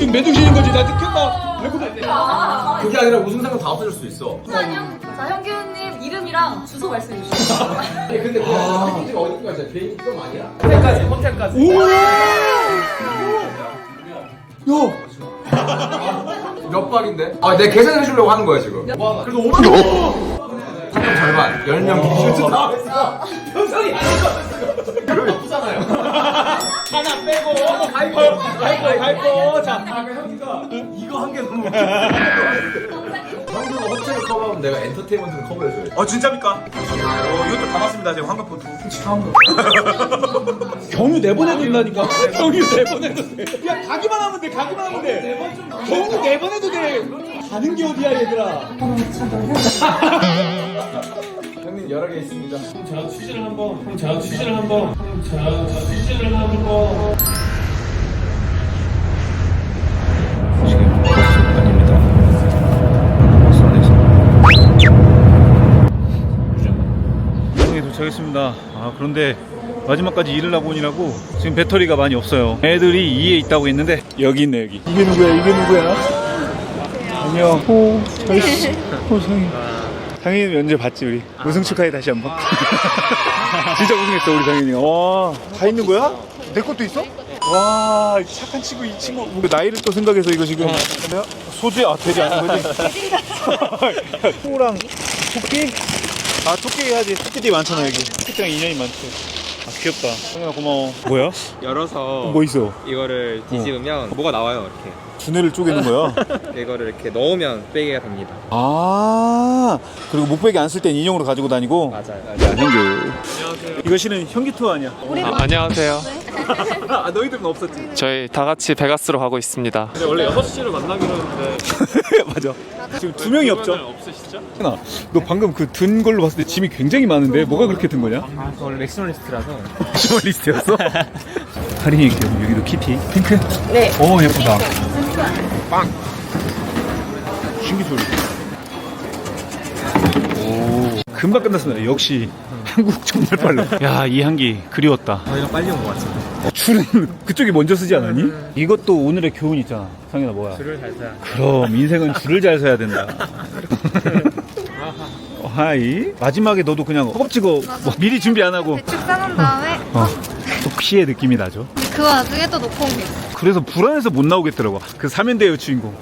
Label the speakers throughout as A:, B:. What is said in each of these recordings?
A: 지금 맨정신인 거지. 나 느꼈다.
B: 그게 아니라 우승상은 다 없어질 수도 있어.
C: 자, 현규님 이름이랑 주소 말씀해 주시죠.
B: 근데 그 패키지가 어디까지 진짜 개인 좀 아니야? 호텔까지.
A: 오! 야!
B: 몇 박인데? 아, 내가 계산해 주려고 하는 거야, 지금. 그래도 5만 원. 상금 절반, 10명 기준 다 했어. 평상이 아니거든. 그러면 없잖아요.
A: 하나 빼고 갈거. 자,
B: 형이가 이거 한 개 너무 형도 호텔을 커버하면 내가 엔터테인먼트를 커버해줘야지.
A: 진짜입니까? 이것도 담았습니다. 제가 황금포트. 경유 내보내도 된다니까. 경유 내보내도 돼. 야, 가기만 하면 돼. 경유 내보내도 돼. 가는 게 어디야, 얘들아.
B: 형님 여러 개 있습니다.
D: 자, 취지를 한번. 자, 취지를 한번.
A: 지금 버스 아닙니다. 버스 안에서. 유정에 도착했습니다. 그런데 마지막까지 일을 하고 오느라고 지금 배터리가 많이 없어요. 애들이 2에 있다고 했는데 여기 있네, 여기. 이게 누구야? 안녕. 상희. 상희는 면접 봤지, 우리. 우승 축하해, 다시 한 번. 진짜 우승했어, 우리 상희이. 와, 다 있는 거야? 내 것도 있어? 와, 착한 친구, 이 친구. 나이를 또 생각해서 이거 지금. 소주야? 돼지 아닌 거지? 소랑 토끼? 토끼 해야지. 토끼들이 많잖아, 여기. 토끼랑 인연이 많지. 귀엽다. 상현아, 고마워. 뭐야?
E: 열어서
A: 뭐 있어?
E: 이거를 뒤집으면 뭐가 나와요. 이렇게
A: 두뇌를 쪼개는 거야?
E: 이거를 이렇게 넣으면 빼개가 됩니다.
A: 그리고 목베개 안 쓸 땐 인형으로 가지고 다니고?
E: 맞아요.
A: 현규. 안녕하세요. 이거 실은 현기 투어 아니야?
F: 안녕하세요.
A: 너희들은 없었지?
F: 저희 다 같이 베가스로 가고 있습니다.
D: 근데 원래 6시를 만나기로 했는데
A: 맞아. 지금 2명이 없죠?
D: 없으시죠?
A: 현아, 너 방금 그 든 걸로 봤을 때 짐이 굉장히 많은데 뭐가 그렇게 든 거냐?
E: 원래 맥시멀리스트라서
A: 시멀리스트였어? 할인이 있고 여기도 키티 핑크?
C: 네.
A: 오, 예쁘다. 빵. 신기 소리. 오, 금방 끝났습니다. 역시 한국 정말 빨라. 야, 이 향기 그리웠다.
E: 저희가 빨리 온 것 같습니다.
A: 줄은 그쪽이 먼저 쓰지 않았니? 이것도 오늘의 교훈 있잖아. 상현아, 뭐야?
E: 줄을 잘 서야
A: 그럼 인생은 줄을 잘 서야 된다. 하이. 마지막에 너도 그냥 허겁지겁 뭐 미리 준비 안 하고
G: 대충 싸놓은 다음에
A: 독시의 느낌이 나죠.
G: 그 와중에 또 놓고 온 게 있어.
A: 그래서 불안해서 못 나오겠더라고. 그 사면대의 주인공.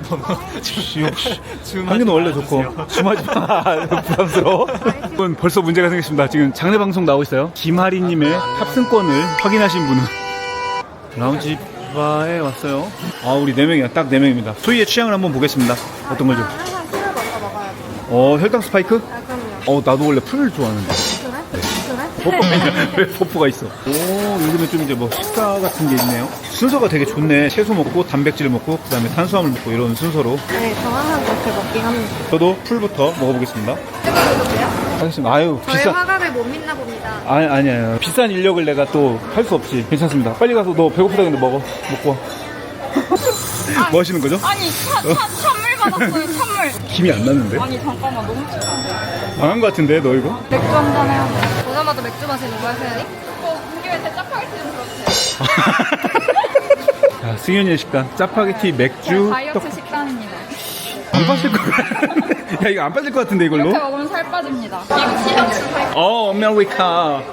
A: 한규는 원래 좋고 줌하지 마. 부담스러워. 이건 벌써 문제가 생겼습니다. 지금 장례 방송 나오고 있어요. 김하리님의 탑승권을 확인하신 분은 라운지 바에 왔어요. 우리 4명이야. 딱 4명입니다. 소희의 취향을 한번 보겠습니다. 어떤 거죠?
G: 항상 술을 먼저 먹어야지.
A: 혈당 스파이크?
G: 그럼요.
A: 나도 원래 풀을 좋아하는데.
G: 그래?
A: 왜 버프가 있어? 요즘에 좀 이제 뭐 식사 같은 게 있네요. 순서가 되게 좋네. 채소 먹고 단백질 먹고 그다음에 탄수화물 먹고 이런 순서로.
G: 네, 저 항상 그렇게 먹긴 합니다.
A: 저도 풀부터 먹어보겠습니다.
G: 뜨거우세요?
A: 하겠습니다. 아유,
G: 저의
A: 비싼.
G: 화가를 못 믿나 봅니다.
A: 아니야. 비싼 인력을 내가 또 할 수 없지. 괜찮습니다. 빨리 가서 너 배고프다는데 먹고 와. 뭐 하시는 거죠?
C: 아니, 찬물 받았어요, 찬물.
A: 김이 안 나는데?
C: 아니, 잠깐만, 너무 추운데.
A: 망한 거 같은데 너 이거?
C: 맥주 한잔 해야 돼.
G: 오자마자 맥주 마시는 거야, 세연이?
C: 문교에서 짜파게티 좀 그렇대.
A: 자, 승현이의 식단. 짜파게티, 맥주,
C: 다이어트
A: 떡.
C: 식단입니다.
A: 안 빠질 거 야, 이거 안 빠질 것 같은데 이걸로?
C: 이렇게 먹으면 살 빠집니다. 이거 시럽 살.
A: 아메리카.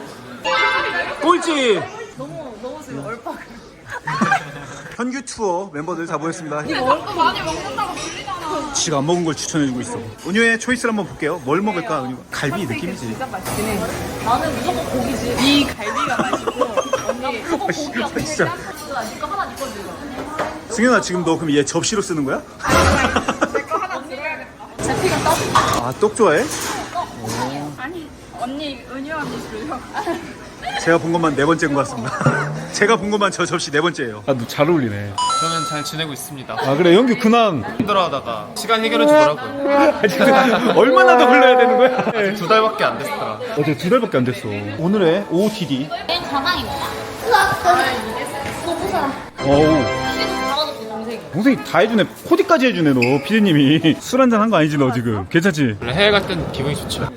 A: 꼴찌.
C: 너무 지금 얼빠그.
A: 현규 투어 멤버들 다 모였습니다.
C: 이거 얼빠 많이 먹는다고 불리잖아.
A: 지가 안 먹은 걸 추천해주고 있어. 은유의 초이스를 한번 볼게요. 뭘 먹을까? 은유. 갈비 느낌이지.
C: 진짜 맛있긴 해. 나는 무조건 고기지. 이 갈비가 맛있고 언니 무조건 고기야. 고기
A: 진짜.
C: 짬뽕도 아니까 하나 네 거지.
A: 승현아, 지금 너 그럼 얘 접시로 쓰는 거야?
C: 내거 하나 들어야겠다. 제피가 떡?
A: 떡 좋아해?
C: 아니 언니 은유 언니 주려고.
A: 제가 본 것만 4번째인 것 같습니다. 제가 본 것만 저 접시 4번째예요. 너 잘 어울리네.
F: 저는 잘 지내고 있습니다.
A: 그래, 영규 근황.
F: 힘들어하다가 시간 해결해 주더라고요.
A: 얼마나 더 흘러야 되는 거야?
F: 2달밖에 안 됐더라.
A: 어제 2달밖에 안 됐어. 오늘의 OOTD.
C: 전황입니다.
A: 어우. 동생이 다 해주네. 코디까지 해주네, 너. 피디님이. 술 한잔 한 거 아니지, 너 지금? 괜찮지?
F: 원래 해외 갈 땐 기분이 좋죠.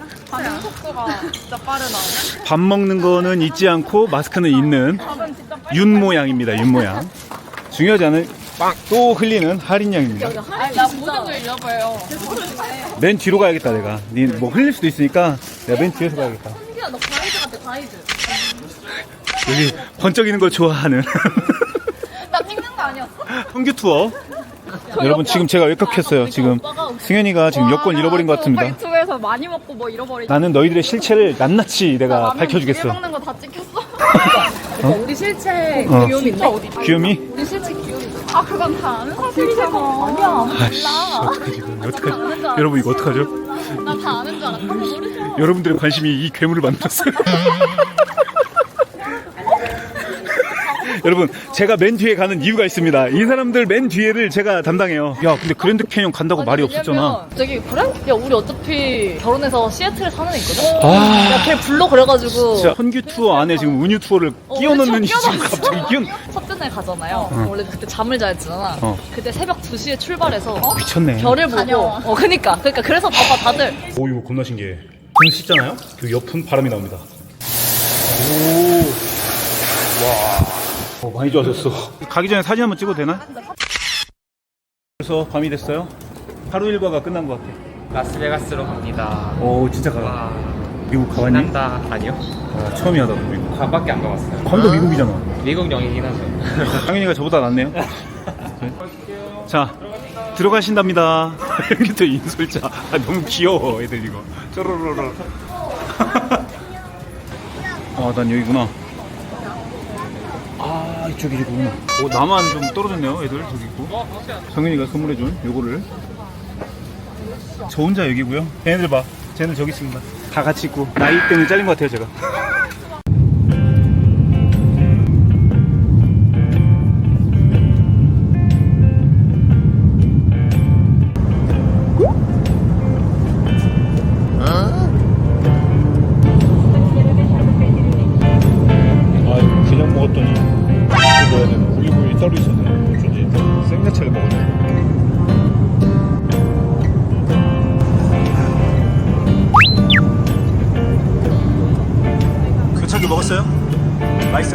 C: 반응 속도가 진짜 빠르다.
A: 밥 먹는 거는 잊지 않고 마스크는 있는.
C: 밥은 진짜 빨리
A: 윤 모양입니다. 윤 모양. 중요하지 않은 또 흘리는 할인량입니다.
C: 아니 나 모든 걸 잃어버려.
A: 맨 뒤로 가야겠다 내가. 니 뭐 흘릴 수도 있으니까 내가 맨 뒤에서 가야겠다.
C: 현규야 너 가이드 같아 가이드.
A: 여기 번쩍이는 걸 좋아하는
C: 나 찍는 거 아니었어?
A: 성규 투어. 여러분 지금 제가 외격했어요. 지금 승현이가 지금 여권 잃어버린 것 같습니다.
C: 유튜브에서 많이 먹고 뭐 잃어버리지.
A: 나는 너희들의 실체를 낱낱이 내가 밝혀주겠어.
C: 먹는 거 다 찍혔어. 우리 실체
A: 어.
C: 귀요미인데 어디?
A: 귀요미?
C: 우리 실체 귀요미. 아 그건 다 아는 사실이잖아. 아니야.
A: 아이씨 어떡하지 이거. 어떡하지? 여러분 이거 어떡하죠?
C: 나 다 아는 줄 알았어. 모르죠.
A: 여러분들의 관심이 이 괴물을 만들었어요. 여러분 제가 맨 뒤에 가는 이유가 있습니다. 이 사람들 맨 뒤에를 제가 담당해요. 야 근데 그랜드 캐니언 간다고 말이 없었잖아.
C: 저기 그래? 야 우리 어차피 결혼해서 시애틀에 사는 애 있거든?
A: 아.
C: 야 걔 불러 그래가지고
A: 진짜 헌규 투어 안에 지금 은유 투어를 끼워 넣는
C: 우리
A: 지금 갑자기 끼워.
C: 첫째 날 가잖아요. 원래 그때 잠을 자 했잖아.
A: 어.
C: 그때 새벽 2시에 출발해서
A: 미쳤네.
C: 별을 보고 그니까 그래서 봐봐 다들
A: 오 이거 겁나 신기해. 손 씻잖아요? 그 옆은 바람이 나옵니다. 오. 와. 많이 좋아졌어. 가기 전에 사진 한번 찍어도 되나? 그래서 밤이 됐어요. 하루 일과가 끝난 것 같아.
E: 라스베가스로 갑니다.
A: 오 진짜 가.
E: 와,
A: 미국 가봤니?
E: 신난다. 아니요.
A: 아, 처음이야 나도 미국.
E: 가밖에 안 가봤어요.
A: 거기도 미국이잖아.
E: 미국 영이긴 하죠.
A: 당연히가 저보다 낫네요. 자 들어가신답니다. 이렇게 또 인솔자. 아, 너무 귀여워 애들 이거. 쪼로로로. 아난 여기구나. 아 이쪽이구나. 나만 좀 떨어졌네요 애들 저기 있고. 성윤이가 선물해준 요거를. 저 혼자 여기고요. 걔네들 봐. 쟤는 저기 있습니다. 다 같이 있고 나이 때문에 잘린 것 같아요 제가. 그냥 먹었더니 이거 올리브오일이 따로 있었네. 어쩐지 생야채를 먹었네. 교차기 먹었어요? 맛있어요?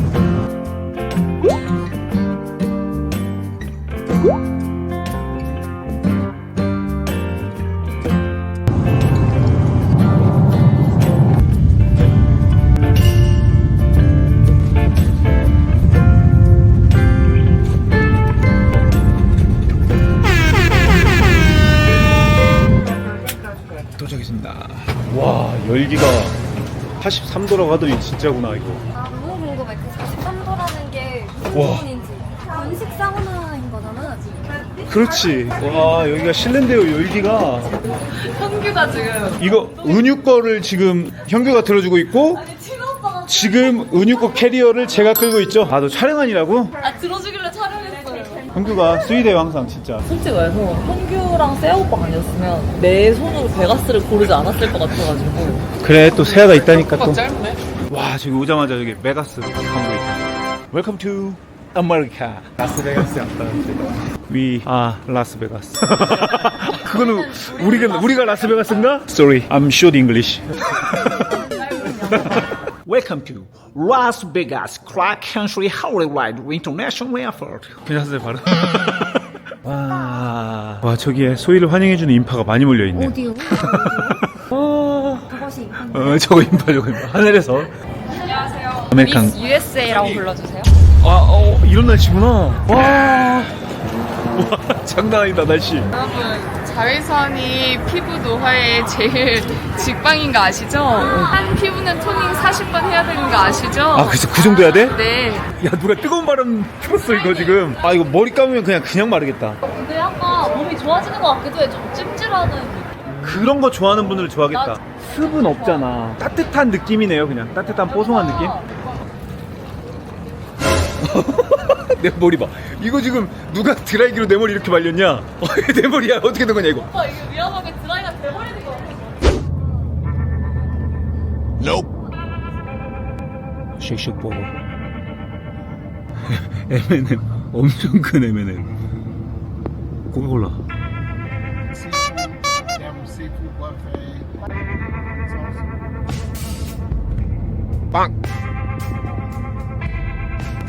A: 도착했습니다. 와 열기가 83도라고 하더니 진짜구나 이거.
G: 아, 너무 궁금해. 그 43도라는 게 무슨
A: 와.
G: 기분인지. 건식 사우나인 거잖아, 지금.
A: 그렇지. 와 여기가 실내인데요 열기가.
C: 현규가 지금
A: 이거 은유 거를 지금 현규가 들어주고 있고 지금 은유 거 캐리어를 제가 끌고 있죠. 아 너 촬영 아니라고?
C: 들어주길래 촬영했어요.
A: 현규가 스윗해요 항상 진짜.
C: 솔직히 말해서 현규랑 세아 오빠 아니었으면 내 손으로 베가스를 고르지 않았을 것 같아가지고
A: 그래 또 세아가 있다니까 또.
C: 짧네.
A: 와 지금 오자마자 여기 메가스 광고 있다. Welcome to America. 라스베가스에 왔다는데. We are 라스베가스. 그거는 우리가 라스베가스인가? Sorry, I'm short English.
H: Welcome to Las Vegas, Clark Country Hollywood International Airport.
A: 괜찮으세요 바로? 와 저기에 소희를 환영해주는 인파가 많이 몰려있네.
G: 어디요? 그것이.
A: 저거 인파 하늘에서.
C: 안녕하세요.
A: 아메리칸.
C: 미스 USA라고 불러주세요.
A: 이런 날씨구나. 와 장난 아니다 날씨.
I: 여러분, 자외선이 피부 노화에 제일 직방인 거 아시죠? 한 피부는 토닝 40번 해야 되는 거 아시죠?
A: 아 그래서 그 정도 해야 돼?
I: 네.
A: 야 누가 뜨거운 바람 폈어 이거 지금. 아 이거 머리 감으면 그냥 마르겠다.
C: 근데 약간 몸이 좋아지는 것 같기도 해. 좀 찜질하는 느낌.
A: 그런 거 좋아하는 분들 좋아하겠다. 습은 없잖아. 따뜻한 느낌이네요 그냥. 따뜻한 뽀송한 느낌. 내 머리 봐. 이거 지금 누가 드라이기로 내 머리 이렇게 말렸냐? 내 머리야 어떻게 된 거냐 이거.
C: 오빠 이거 위험하게 드라이가 돼버리는 거 같아.
A: 쉑쉑 버거. M&M 엄청 큰 M&M. 코카콜라. 빵.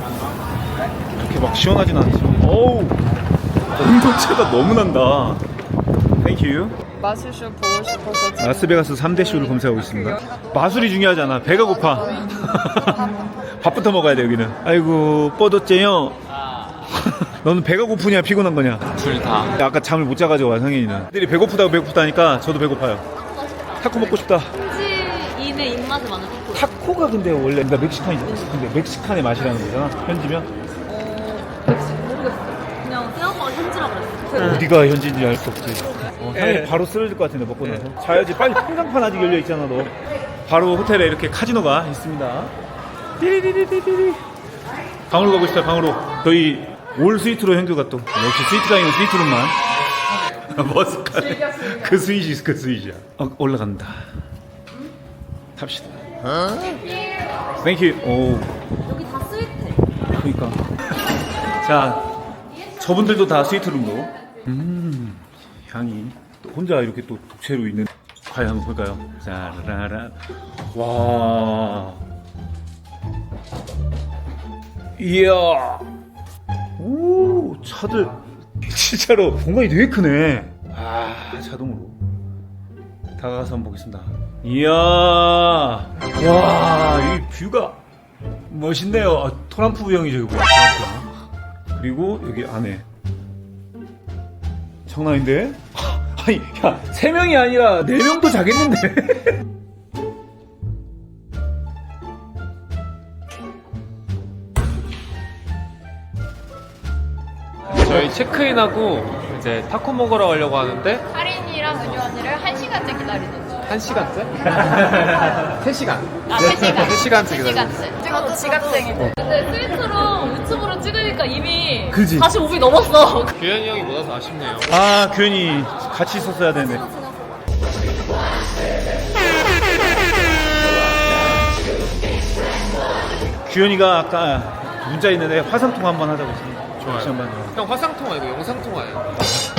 A: 그렇게 막 시원하진 않지. 어우, 온도차가 너무 난다. 땡큐.
I: 마술쇼 보고 싶어서
A: 라스베가스 3대 쇼를 검색하고 있습니다. 마술이 중요하잖아. 배가 고파. 밥부터 먹어야 돼 여기는. 아이고 뻗었째요. 너는 배가 고프냐 피곤한 거냐?
E: 둘 다.
A: 아까 잠을 못 자가지고 상현이는. 애들이 배고프다고 배고프다니까 저도 배고파요. 타코 먹고 싶다.
C: 현지인의 입맛에 맞는 타코.
A: 타코가 근데 원래 그러니까 멕시칸이잖아. 근데 멕시칸의 맛이라는 거잖아. 현지면?
C: 모르겠어. 그냥 생각보다 현지라 그랬어.
A: 어디가 현지인지 알 수 없지. 상현이 바로 쓰러질 것 같은데 먹고 나서. 자야지. 빨리 통장판 아직 열려 있잖아 너. 바로 호텔에 이렇게 카지노가 있습니다. 띠리리리리리. 방으로 가고 싶다. 방으로. 저희 올 스위트로 현규가 또 역시 스위트가이는 스위트룸만. 머스카. 그 스윗이 그 스윗이야. 올라간다. 탑시다. 땡큐. 오.
C: 여기 다 스위트.
A: 그러니까. 자, 저분들도 다 스위트룸으로. 향이 또 혼자 이렇게 또 독채로 있는. 과연 한번 볼까요? 짜라라. 와. 이야. 오, 차들 진짜로 공간이 되게 크네. 아, 자동으로. 다가가서 한번 보겠습니다. 이야. 와, 이 뷰가 멋있네요. 아, 트럼프 형이 저기 뭐야? 트럼프. 그리고 여기 안에 장난인데? 아니, 야, 3명이 아니라 4명도 자겠는데?
E: 저희 체크인하고 이제 타코 먹으러 가려고 하는데
I: 할인이랑 은유 언니를 1시간째 기다리는 중.
E: 1시간째? 3시간.
I: 아, 3시간.
E: 3시간째 기다려.
I: 3시간째. 저도 지각생이들. 근데 스위트로 유튜브로 찍으니까 이미
A: 그지?
I: 45분 넘었어.
E: 규현이 형이 못 와서 아쉽네요.
A: 아, 규현이 같이 있었어야 되네. 규현이가 아까 문자 있는데 화상통화 한번 하자고 했습니다.
E: 좋아요. 형 화상통화 아니고 영상통화예요.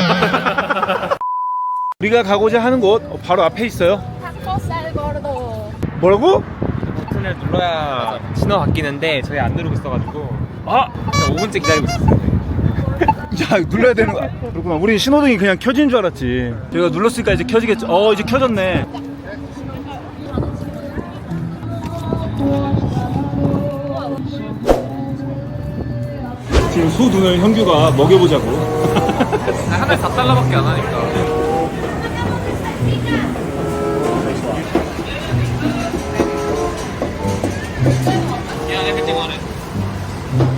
A: 우리가 가고자 하는 곳 바로 앞에 있어요.
I: 타코 쌀거르도.
A: 뭐라고?
E: 버튼을 눌러야 신호 바뀌는데 저희 안 누르고 있어가지고
A: 아!
E: 그냥 5분째 기다리고 있었어요.
A: 야, 눌러야 되는 거야. 그렇구나. 우리 신호등이 그냥 켜진 줄 알았지. 저희가 눌렀으니까 이제 켜지겠죠. 이제 켜졌네. 지금 소 눈을 현규가 먹여보자고.
E: 하나에 4달러밖에 안 하니까. Yeah, everything on it.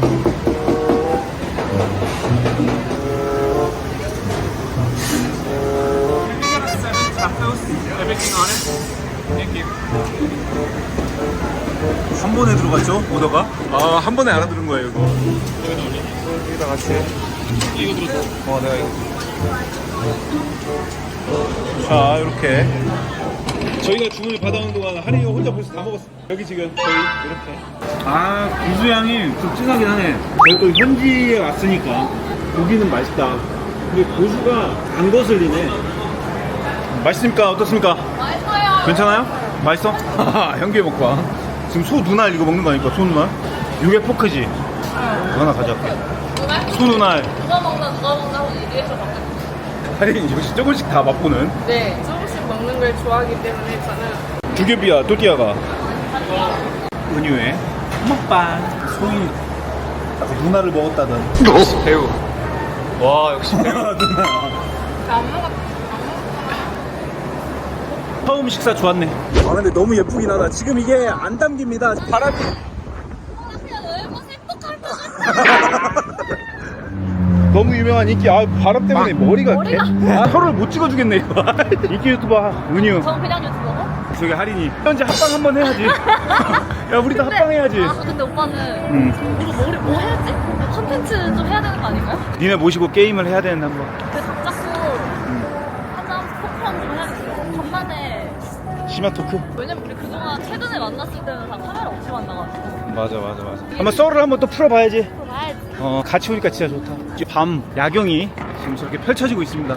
E: Everything on it. Thank you.
A: 한 번에 들어갔죠? 오더가? 아, 한 번에 알아들은 거예요, 이거. 여기다 같이.
E: 이거 들어줘.
A: 내가 이거. 자, 이렇게. 저희가 주문을 받아온 동안 할인이가 혼자 벌써 다 먹었어. 여기 지금 저희 이렇게. 아, 고수향이 좀 진하긴 하네. 저희 또 현지에 왔으니까 고기는 맛있다. 근데 고수가 안 거슬리네. 맛있습니까? 어떻습니까?
I: 맛있어요.
A: 괜찮아요? 맛있어? 현기의 먹방. 지금 소 눈알 이거 먹는 거 아닙니까? 소 눈알? 이게 포크지? 이거 하나 가져갈게. 소 눈알.
I: 누가 먹나 하고 얘기해서 바뀌었어요.
A: 할인 역시 조금씩 다 맛보는.
I: 네, 조금씩 먹는 걸 좋아하기 때문에 저는
A: 두개비야, 또띠아가. 은유의 먹방. 소희 누나를 먹었다던.
E: 배우. 와, 역시 배우.
A: 누나.
I: 안 먹었어.
A: 처음 식사 좋았네. 아, 근데 너무 예쁘긴 하다. 지금 이게 안 담깁니다. 바람이. 너무 유명한 인기. 아, 바람 때문에 머리가 혀를 못 찍어주겠네 이거. 인기 유튜버 은유.
C: 전 그냥 유튜버고?
A: 저기 할인이 현재 합방 한번 해야지. 야, 우리도 합방해야지.
C: 아, 근데 오빠는 이거 뭐 해야지? 컨텐츠 좀 해야 되는 거 아닌가요?
A: 니네 모시고 게임을 해야 되는데 한번.
C: 그 각 잡고 한잔 포크한 좀 해야겠어. 간만에.
A: 심야 토크.
C: 왜냐면 우리 그동안 최근에 만났을 때는 다 카메라 없이 만나가지고.
A: 맞아. 한번 썰을 한번 또 풀어봐야지.
C: 봐야지.
A: 같이 오니까 진짜 좋다. 이제 밤 야경이 지금 저렇게 펼쳐지고 있습니다.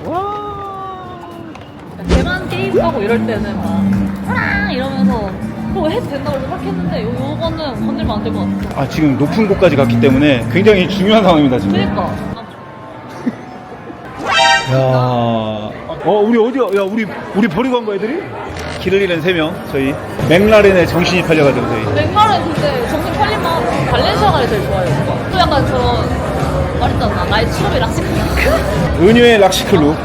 A: 와.
C: 걔만 게임하고 이럴 때는 막 호랑 이러면서 그거 해도 된다고 생각했는데 요거는 건들면 안 될 것 같아.
A: 아 지금 높은 곳까지 갔기 때문에 굉장히 중요한 상황입니다 지금.
C: 그러니까.
A: 야, 우리 어디야? 야, 우리 버리고 간 거야, 애들이? 길을 잃은 3명, 저희. 맥라렌에 정신이 팔려가지고, 저희.
C: 맥말은 근데 정신 팔리면 발렌시아가를 제일 좋아해요. 또 약간 저런 말했잖아. 나의 추억의 락시크.
A: 은유의 락시클루.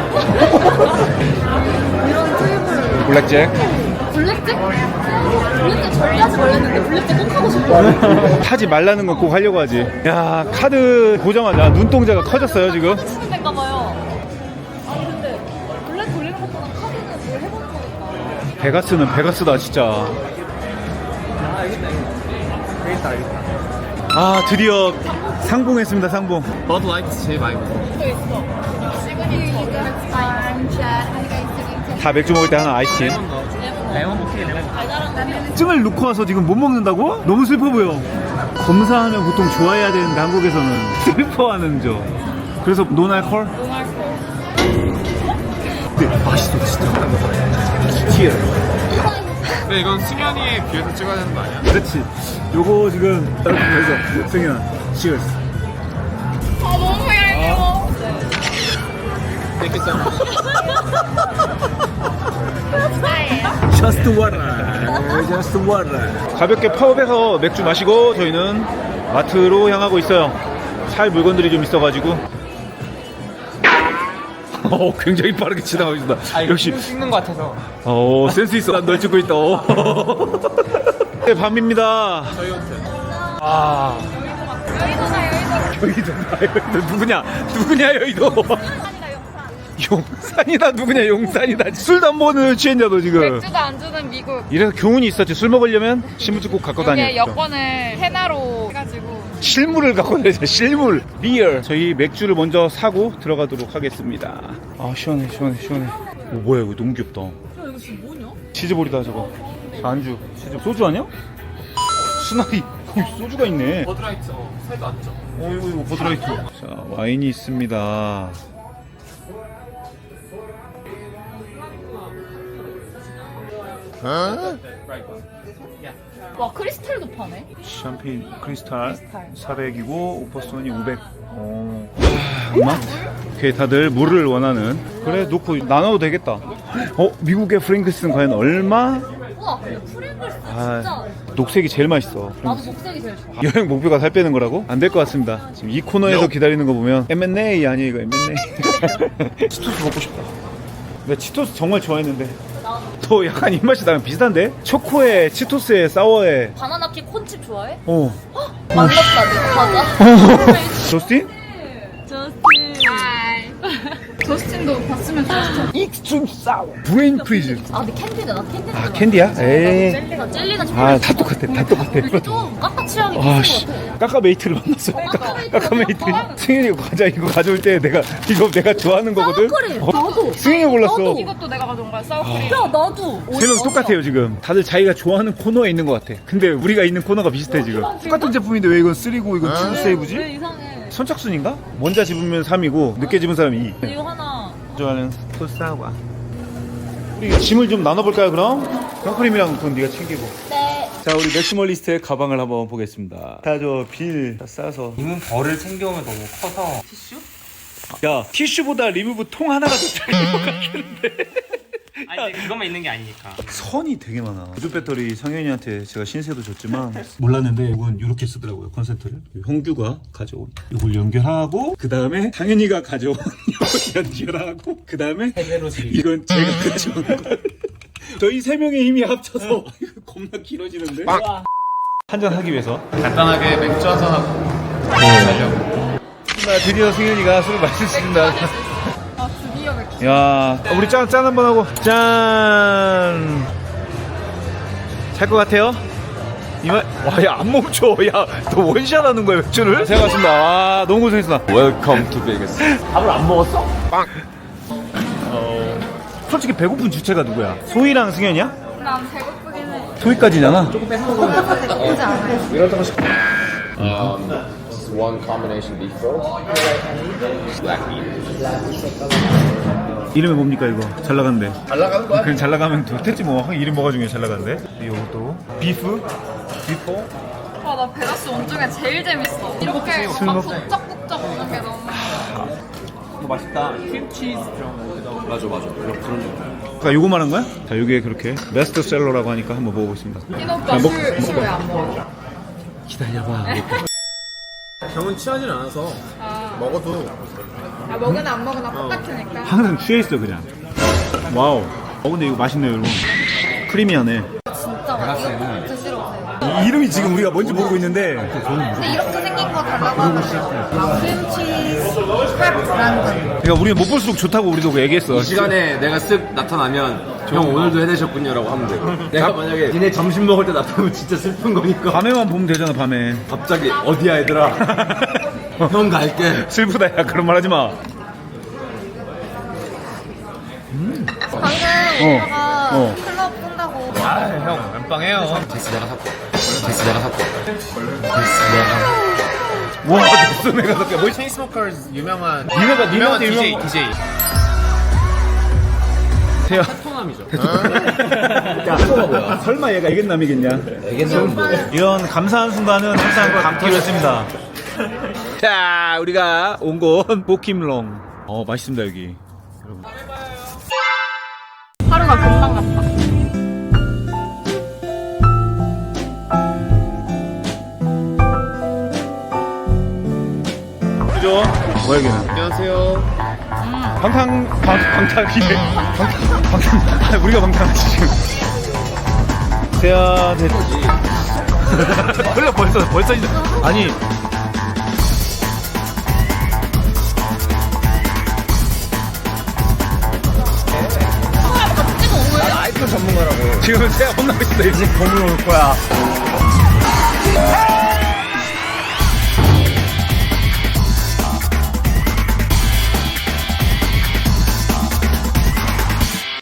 G: 이런 테이블
A: 블랙잭.
C: 블랙잭? 블랙잭 절대하지 말랬는데 블랙잭 꼭 하고 싶어.
A: 하지 말라는 건 꼭 하려고 하지. 야, 카드 보자마자 눈동자가 커졌어요, 지금.
C: 치는 데인가 봐요. 아니 근데 블랙 돌리는 것보다 카드는 뭘 해보는 거니까.
A: 베가스는 베가스다, 진짜. 아, 드디어 상봉했습니다, 상봉.
F: 버드 라이트 제일 많이 먹어.
C: 또 있어. 시그니처.
A: 다 맥주 먹을 때 하나 아이스티. 증을 놓고 와서 지금 못 먹는다고? 너무 슬퍼 보여. 검사하면 보통 좋아해야 되는데 한국에서는 슬퍼하는 저. 그래서 노날콜? 네, 맛있어 진짜. 치얼.
F: 근데 이건 승현이에 비해서 찍어야 되는 거 아니야?
A: 그렇지. 요거 지금 그래서 승현 치얼스.
I: 아 너무 얄미워.
A: Just water. Just water. 가볍게 파업해서 맥주 마시고 저희는 마트로 향하고 있어요. 살 물건들이 좀 있어가지고. 굉장히 빠르게 지나가고 있습니다. 역시
E: 찍는 것 같아서.
A: 센스 있어. 난 널 찍고 있다. 네, 밤입니다.
F: 저희 호텔.
A: 아. 여의도 누구냐 여의도. 용산이다 누구냐 용산이다. 술도 안 먹는 취했냐 너 지금.
I: 맥주도 안 주는 미국.
A: 이래서 교훈이 있었지. 술 먹으려면 신분증 꼭 갖고 다녀.
I: 여기에 여권을 헤나로 해가지고.
A: 실물을 갖고 다니자. 실물. 리얼. 저희 맥주를 먼저 사고 들어가도록 하겠습니다. 아 시원해. 오, 뭐야 이거 너무 귀엽다.
C: 야 이거 지금 뭐냐?
A: 치즈볼이다 저거. 안주. 치즈. 소주 아니야? 수나리. 거기 소주가 있네.
F: 버드 라이트 살도 안 쪄.
A: 이거 버드라이트. 자 와인이 있습니다.
C: 와 크리스탈도 파네.
A: 샴페인 크리스탈 400이고 오퍼스톤이 500. 엄마? 오케이 다들 물을 원하는. 그래 놓고 나눠도 되겠다. 미국의 프링글스는 과연 얼마?
C: 우와 근데 프링글스
A: 아,
C: 진짜.
A: 녹색이 제일 맛있어.
C: 나도 녹색이 제일 좋아.
A: 여행 목표가 살 빼는 거라고? 안 될 것 같습니다. 지금 이 코너에서 기다리는 거 보면 M&A 아니에요 이거 M&A. 치토스 먹고 싶다. 내가 치토스 정말 좋아했는데 또 약간 입맛이 나랑 비슷한데? 초코에 치토스에 사워에.
C: 바나나키 콘칩 좋아해?
A: 어.
C: 만났다 내 과자.
A: 저스틴?
I: 저스틴도 봤으면 좋았어.
A: 익스트림 사워 브레인 프리즈.
C: 아 근데 캔디다 나 캔디.
A: 아 캔디야? 에이.
C: 젤리가
A: 아 다 똑같아 다 똑같아.
C: 좀 깎아 취향이
A: 아씨
C: 비슷한 것 같아.
A: 까까메이트를 만났어. 까까메이트. 승현이 과자 이거 가져올 때 내가 좋아하는 거거든.
C: 사워크림. 나도.
A: 승현이가 골랐어.
I: 이것도 내가 가져온 거야. 사우크림.
C: 야 나도.
A: 3명 똑같아요 지금. 다들 자기가 좋아하는 코너에 있는 것 같아. 근데 우리가 있는 코너가 비슷해 지금. 똑같은 제품인데 왜 이건 3고 이건 2
C: 왜
A: 세이브지?
C: 이상해.
A: 선착순인가? 먼저 집으면 3이고 늦게 집은 사람이 2.
C: 이거 하나.
A: 좋아하는 토스타와. 우리 짐을 좀 나눠볼까요 그럼? 선크림이랑 그건 네가 챙기고.
C: 네.
A: 자 우리 맥시멀리스트의 가방을 한번 보겠습니다. 다 저 빌 다 싸서.
E: 이문 벌을 챙겨오면 너무 커서.
A: 야 티슈보다 리무브 통 하나가 더 작은 것 같은데.
E: 아니 그것만 있는 게 아니니까.
A: 선이 되게 많아. 보조 배터리 상현이한테 제가 신세도 줬지만 몰랐는데 이건 이렇게 쓰더라고요. 컨센트를. 형규가 가져온 이걸 연결하고 그 다음에 상현이가 가져온 이걸 연결하고 그 다음에 이건 제가 가져온 거. 저희 3명의 힘이 합쳐서 이거 겁나 길어지는데. 한잔 하기 위해서.
F: 간단하게 맥주 한잔 하고 자려고.
A: 드디어 승현이가 술을 마실 수 있습니다.
I: 드디어 맥주.
A: 야, 우리 짠 한번 하고. 짠. 잘 것 같아요? 이말, 와, 야, 안 멈춰. 야, 너 원샷 하는 거야, 맥주를? 제가 맞습니다. 와, 너무 고생했어.
B: Welcome to Vegas.
A: 밥을 안 먹었어? 빵. 솔직히 배고픈 주체가 누구야? 소희랑 승현이야?
I: 난 배고프긴 해.
A: 소희까지잖아.
B: This is one combination beef roll. Black meat.
A: 이름이 뭡니까 이거? 잘 나간대.
B: 잘 나가는 거야?
A: 그냥 잘 나가면 됐지 뭐. 이름 뭐가 중에 잘 나간대? 이것도 비프? 비포?
I: 와, 나 베가스 온 중에 제일 재밌어. 이렇게 막 북적북적 오는 게 너무.
E: 맛있다. 크림치즈
B: 맞아. 그런 거.
A: 아까 요거 말한 거야? 자, 요게 그렇게 베스트셀러라고 하니까 한번 먹어보겠습니다.
I: 흰 오빠 술 왜 안 먹어?
A: 기다려봐.
F: 형은 취하진 않아서 먹어도
I: 아, 먹으나 안 먹으나 똑같으니까.
A: 항상 취해있어 그냥. 와우. 근데 이거 맛있네요 여러분. 크리미하네.
G: 진짜 맛있어. 드시러 오세요.
A: 이 이름이 지금 우리가 뭔지 모르고 있는데
G: 근데 이렇게 생긴 거 달라고 하거든요. 크림치즈 팝 브란드.
A: 그러니까 우리는 못 볼수록 좋다고 우리도 얘기했어.
B: 이 시간에 내가 쓱 나타나면 형 오늘도 해내셨군요라고 하면 돼. 내가 만약에 니네 점심 먹을 때 나타나면 진짜 슬픈 거니까.
A: 밤에만 보면 되잖아 밤에.
B: 갑자기 어디야 얘들아. 형 갈게.
A: 슬프다 야 그런 말 하지 마.
G: 방금 오빠가
A: 어.
G: 클럽 끈다고.
E: 형 깜빵해요.
A: 와 됐어 내가 그렇게 뭐
E: 체인스모커즈 유명한
A: 니네가
E: DJ
A: 유명한
E: DJ.
A: 태야.
E: 토남이죠.
A: 야 설마 얘가 애견남이겠냐? 애견남 뭐? 이런 감사한 순간은 항상 감기로 했습니다. 자 우리가 온 곳 보킴롱. 맛있습니다 여기.
I: 하루가 금방 갔다.
A: 그죠? 뭐야 여기는?
F: 안녕하세요.
A: 방탕이네. 방탕. 우리가 방탕하지 지금. 태야 됐. 벌써 이제 아니. 지금 태야 혼나고 있어. 이제 건물 올 거야.